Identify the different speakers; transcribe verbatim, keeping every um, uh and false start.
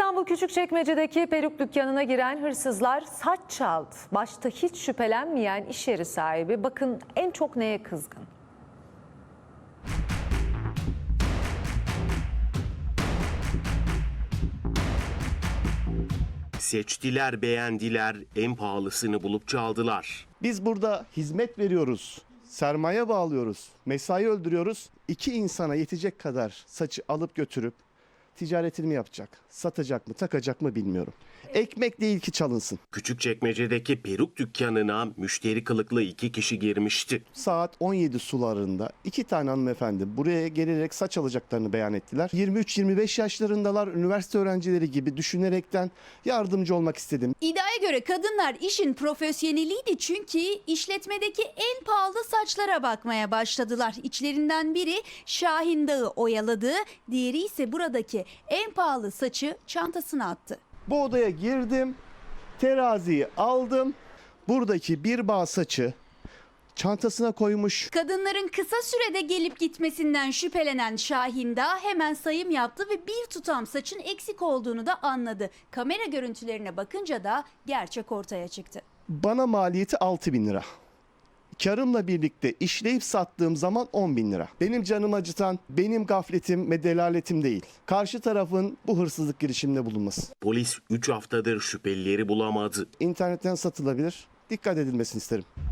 Speaker 1: İstanbul Küçükçekmece'deki peruk dükkanına giren hırsızlar saç çaldı. Başta hiç şüphelenmeyen iş yeri sahibi bakın en çok neye kızgın?
Speaker 2: Seçtiler, beğendiler, en pahalısını bulup çaldılar.
Speaker 3: Biz burada hizmet veriyoruz, sermaye bağlıyoruz, mesai öldürüyoruz. İki insana yetecek kadar saçı alıp götürüp ticaretini mi yapacak, satacak mı, takacak mı bilmiyorum. Ekmek değil ki çalınsın.
Speaker 2: Küçükçekmece'deki peruk dükkanına müşteri kılıklı iki kişi girmişti.
Speaker 3: Saat on yedi sularında iki tane hanımefendi buraya gelerek saç alacaklarını beyan ettiler. yirmi üç yirmi beş yaşlarındalar, üniversite öğrencileri gibi düşünerekten yardımcı olmak istedim.
Speaker 4: İddiaya göre kadınlar işin profesyoneliydi çünkü işletmedeki en pahalı saçlara bakmaya başladılar. İçlerinden biri Şahin Dağı oyaladı, diğeri ise buradaki en pahalı saçı çantasına attı.
Speaker 3: Bu odaya girdim, teraziyi aldım. Buradaki bir bağ saçı çantasına koymuş.
Speaker 4: Kadınların kısa sürede gelip gitmesinden şüphelenen Şahin Dağ hemen sayım yaptı ve bir tutam saçın eksik olduğunu da anladı. Kamera görüntülerine bakınca da gerçek ortaya çıktı.
Speaker 3: Bana maliyeti altı bin lira. Karımla birlikte işleyip sattığım zaman on bin lira. Benim canımı acıtan benim gafletim ve delaletim değil. Karşı tarafın bu hırsızlık girişiminde bulunması.
Speaker 2: Polis üç haftadır şüphelileri bulamadı.
Speaker 3: İnternetten satılabilir. Dikkat edilmesini isterim.